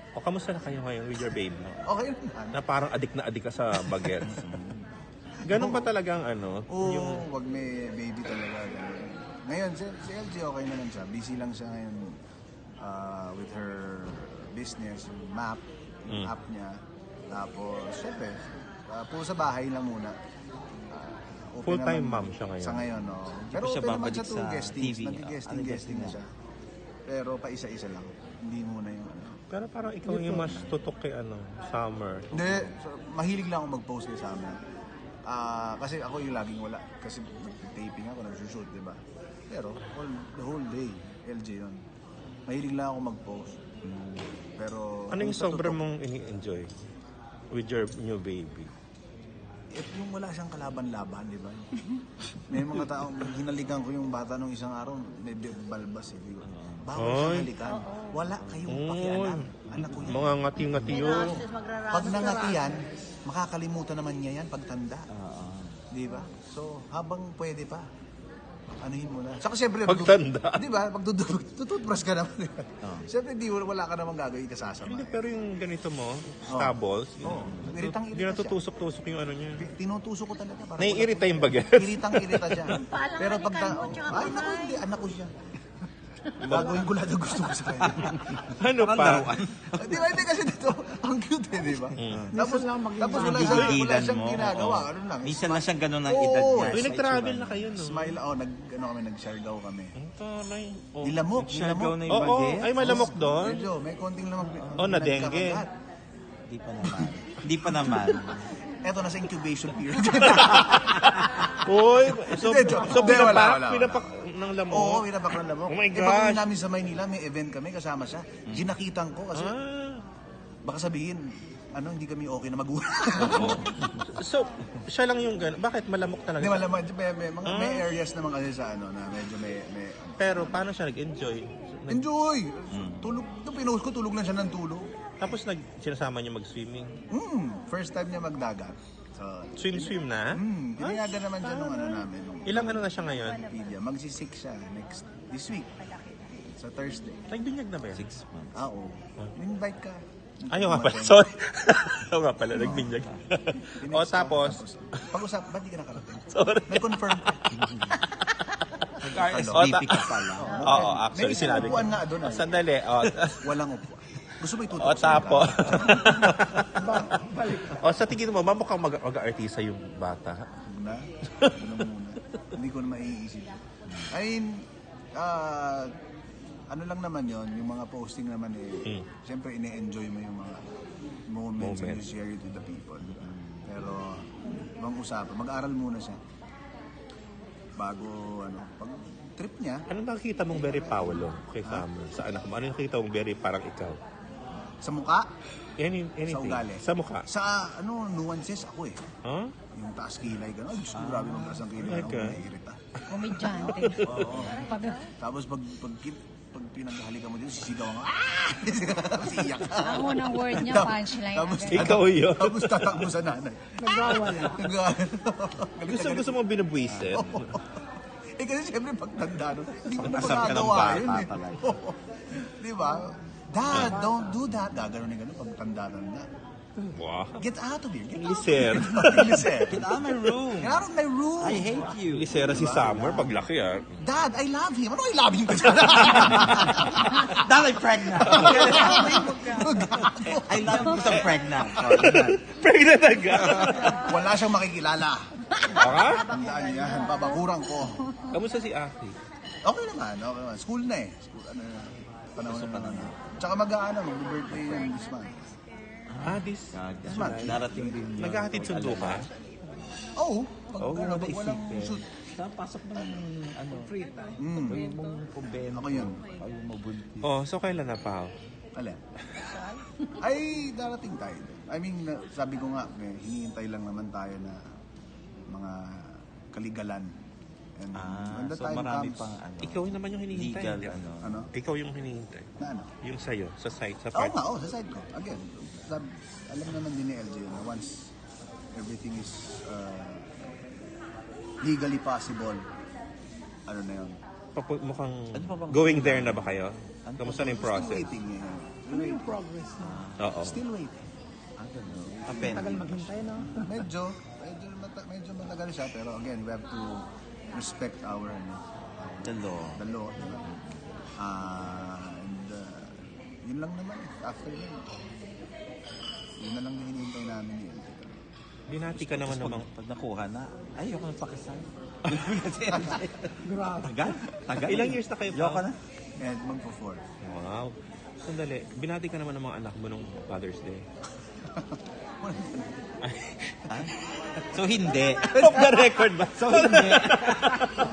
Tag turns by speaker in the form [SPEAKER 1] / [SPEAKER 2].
[SPEAKER 1] O kamusta na kayo ngayon with your baby?
[SPEAKER 2] Okay naman.
[SPEAKER 1] Na parang adik na adik ka sa bagets. Ganun ba talagang ano?
[SPEAKER 2] Oo, wag may baby talaga. Ganun. Ngayon, si LG okay naman siya. Busy lang siya ngayon with her business, yung map, yung app niya. Tapos, syempre, puro sa bahay lang muna. Open
[SPEAKER 1] Full-time
[SPEAKER 2] naman
[SPEAKER 1] mom siya ngayon.
[SPEAKER 2] Sa ngayon, no. Pero
[SPEAKER 3] siya
[SPEAKER 2] open naman
[SPEAKER 3] babalik
[SPEAKER 2] siya to
[SPEAKER 3] sa
[SPEAKER 2] guestings.
[SPEAKER 3] TV.
[SPEAKER 2] Nag-guesting na siya. Pero pa isa-isa lang. Hindi muna yung ano.
[SPEAKER 1] Pero parang ikaw yung mas tutok kay Summer.
[SPEAKER 2] Hindi, mahilig lang ako mag-post kay Summer. Kasi ako yung laging wala. Kasi taping ako, nag-shoot, di ba? Pero the whole day, LG yun. Mahilig lang ako mag-post. Pero...
[SPEAKER 1] Ano yung sobrang mong ini-enjoy with your new baby?
[SPEAKER 2] Yung wala siyang kalaban-laban, di ba? May mga taong hinalikan ko yung bata nung isang araw, may balbas eh. Bawal siyang halikan. Wala kayong pakialam. Anak ko yan.
[SPEAKER 1] Mga ngati-ngati yun.
[SPEAKER 2] Pag nangati yan, makakalimutan naman niya yan pagtanda. Di ba? So, habang pwede pa, anuhin mo na. Saka siyempre,
[SPEAKER 1] Pagtanda.
[SPEAKER 2] di ba? Pag tututbrush ka naman. Siyempre, wala ka naman gagawin kasasama.
[SPEAKER 1] Hindi, pero yung ganito mo, stubbles,
[SPEAKER 2] Iritang-irita
[SPEAKER 1] hindi na tutusok-tusok yung ano niya.
[SPEAKER 2] Tinutusok ko talaga. Para
[SPEAKER 1] Naiirita yung baget.
[SPEAKER 2] Iritang-irita siya. Pero pag... Ay, naku, hindi. Anak ko siya. Gagawin ko lahat ang gusto ko sa kanya.
[SPEAKER 1] Ano pa?
[SPEAKER 2] Di ba? Hindi kasi dito, ang cute eh, di ba? Tapos wala siyang ginagawa. Ano lang.
[SPEAKER 3] Minsan lang siyang ganun ang edad niya.
[SPEAKER 1] Uy, nag-travel na kayo, no?
[SPEAKER 2] Smile, nag-Siargao kami.
[SPEAKER 1] Ang taray. Oh.
[SPEAKER 2] Nilamok,
[SPEAKER 3] Siargao na yung
[SPEAKER 1] Oo,
[SPEAKER 3] baget.
[SPEAKER 1] ay malamok doon.
[SPEAKER 2] Medyo, may konting lamok.
[SPEAKER 1] Na dengue.
[SPEAKER 3] Hindi pa naman. Hindi pa naman.
[SPEAKER 2] Eto, nasa incubation period.
[SPEAKER 1] Uy, so
[SPEAKER 2] wala.
[SPEAKER 1] pinapak ng lamok.
[SPEAKER 2] Oo, pinapak ng lamok.
[SPEAKER 1] Oh my
[SPEAKER 2] Pag
[SPEAKER 1] gosh.
[SPEAKER 2] namin sa Maynila, may event kami, kasama siya. Ginakitan ko kasi baka sabihin, hindi kami okay na magulang.
[SPEAKER 1] So, siya lang yung gano'n. Bakit malamok talaga?
[SPEAKER 2] Hindi, may areas naman kasi sa na medyo may
[SPEAKER 1] Pero paano siya nag-enjoy?
[SPEAKER 2] enjoy! Tulog, nung pinost ko, tulog lang siya ng tulog.
[SPEAKER 1] Tapos sinasama niyo mag-swimming.
[SPEAKER 2] First time niya magdagat. So,
[SPEAKER 1] Swim na?
[SPEAKER 2] tinayagan naman siya nung namin. Nung
[SPEAKER 1] Ilang na siya ngayon?
[SPEAKER 2] Wikipedia. Magsisik siya this week. Sa Thursday.
[SPEAKER 1] Nagbinyag na ba yan?
[SPEAKER 3] 6 months.
[SPEAKER 2] Oo. Invite ka.
[SPEAKER 1] Ayaw nga pala. Sorry. Ayaw nga pala. Nagbinyag. O tapos?
[SPEAKER 2] Pag-usap, ba't di ka nakarating?
[SPEAKER 1] Sorry.
[SPEAKER 2] May confirm ka.
[SPEAKER 3] Nag-RSVP ka pala.
[SPEAKER 1] Oo, actually
[SPEAKER 2] May
[SPEAKER 1] sinabi ko.
[SPEAKER 2] upuan nga doon.
[SPEAKER 1] Sandali.
[SPEAKER 2] Walang upuan. Gusto mo itutok?
[SPEAKER 1] O tapos. O sa tingin mo, mukhang mag-artista yung bata.
[SPEAKER 2] Na? Ano muna? Hindi ko na maiisip. I mean, ano lang naman yon, yung mga posting naman siyempre ine-enjoy mo yung mga moments and you share it with the people. Pero, mag-aral muna siya. Bago, pag trip niya.
[SPEAKER 1] Ano nakikita mong very Paolo kay Summer? Sa anak mo? Ano nakikita mong very parang ikaw?
[SPEAKER 2] Sa mukha,
[SPEAKER 1] Anything?
[SPEAKER 2] sa ugali.
[SPEAKER 1] Sa mukha?
[SPEAKER 2] Sa, nuances ako eh.
[SPEAKER 1] Huh?
[SPEAKER 2] Yung taas kilay, gano'n. Ay, Diyos ko, grabe mong taas ang kilay. Ako naiirita.
[SPEAKER 4] Komedyante.
[SPEAKER 2] Oo. Tapos pag pinaghalikan mo dito, sisigaw ka. Tapos iiyak ka.
[SPEAKER 4] Ang unang word niya, punchline.
[SPEAKER 2] Tapos,
[SPEAKER 1] Ikaw yun.
[SPEAKER 2] Tapos tatakbo sa nanay.
[SPEAKER 4] Nagwawala.
[SPEAKER 1] Gusto mo binabwisit?
[SPEAKER 2] Kasi siyempre pagtanda nun, hindi mo na
[SPEAKER 3] Asam ka ng
[SPEAKER 2] magagawa
[SPEAKER 3] bata
[SPEAKER 2] yun eh.
[SPEAKER 3] talaga.
[SPEAKER 2] Di ba? Dad, don't do that. Gagano'n yung gano'n pagtanda-tanda.
[SPEAKER 1] Wow.
[SPEAKER 2] Get out of here. Get out.
[SPEAKER 1] Liser.
[SPEAKER 2] Liser.
[SPEAKER 3] Get out of my room.
[SPEAKER 2] Get out of my room.
[SPEAKER 3] I hate you.
[SPEAKER 1] Lisera si Summer paglaki
[SPEAKER 2] Dad, I love him. Ano I love him ka dyan?
[SPEAKER 3] Dad, I'm pregnant. I love you some pregnant.
[SPEAKER 1] Pregnant agad.
[SPEAKER 2] Wala siyang makikilala.
[SPEAKER 1] Okay?
[SPEAKER 2] Tandaan niya yan. Babakuran ko.
[SPEAKER 1] Kamusta si Aki?
[SPEAKER 2] Okay naman. School na eh. School, panahon na. Tsaka mag-birthday yan this month.
[SPEAKER 1] This
[SPEAKER 3] Darating din yun.
[SPEAKER 1] naghahatid sundo ka?
[SPEAKER 2] Oo.
[SPEAKER 3] Wala
[SPEAKER 2] Pag walang shoot.
[SPEAKER 3] Pasok ng free time. Ayaw mong kumbento.
[SPEAKER 2] Ako yun.
[SPEAKER 3] Ayaw mabuntis.
[SPEAKER 1] Oh, so kailan na pa?
[SPEAKER 2] Alin? Ay, darating tayo. I mean, sabi ko nga, hinihintay lang naman tayo na mga kaligalan. And when the
[SPEAKER 3] So
[SPEAKER 2] time
[SPEAKER 3] marami
[SPEAKER 2] comes,
[SPEAKER 3] pang
[SPEAKER 1] Ikaw naman yung hinihintay.
[SPEAKER 3] legal
[SPEAKER 1] di ba?
[SPEAKER 2] ano?
[SPEAKER 1] Ikaw yung hinihintay.
[SPEAKER 2] Na ano?
[SPEAKER 1] Yung sa'yo, sa site, sa
[SPEAKER 2] Oo
[SPEAKER 1] part.
[SPEAKER 2] nga, sa side ko. Again, alam naman din ni LJ na once everything is legally possible, ano na yun?
[SPEAKER 1] Mukhang
[SPEAKER 3] Ano pa bang-
[SPEAKER 1] going there na ba kayo? Kamusta na yung
[SPEAKER 2] Still
[SPEAKER 1] process?
[SPEAKER 2] waiting eh.
[SPEAKER 3] Ano yung progress mo?
[SPEAKER 1] Oo.
[SPEAKER 2] Still waiting.
[SPEAKER 3] Tagal maghintay, no?
[SPEAKER 2] Medyo matagal siya, pero again, we have to respect our
[SPEAKER 5] The law.
[SPEAKER 2] the law. Diba? Yun lang naman. After yun na lang din hinihintay namin ni LJ.
[SPEAKER 1] Binati ka naman namang.
[SPEAKER 5] Pag nakuha na, ayoko na pakasal.
[SPEAKER 3] Grabe.
[SPEAKER 5] Tagal.
[SPEAKER 1] Ilang years na kayo pa?
[SPEAKER 5] Ayoko na.
[SPEAKER 2] And magpo-4.
[SPEAKER 1] Wow. Sandali, binati ka naman ng mga anak mo nung Father's Day.
[SPEAKER 5] So, hindi.
[SPEAKER 1] Off the record ba?
[SPEAKER 5] So, hindi.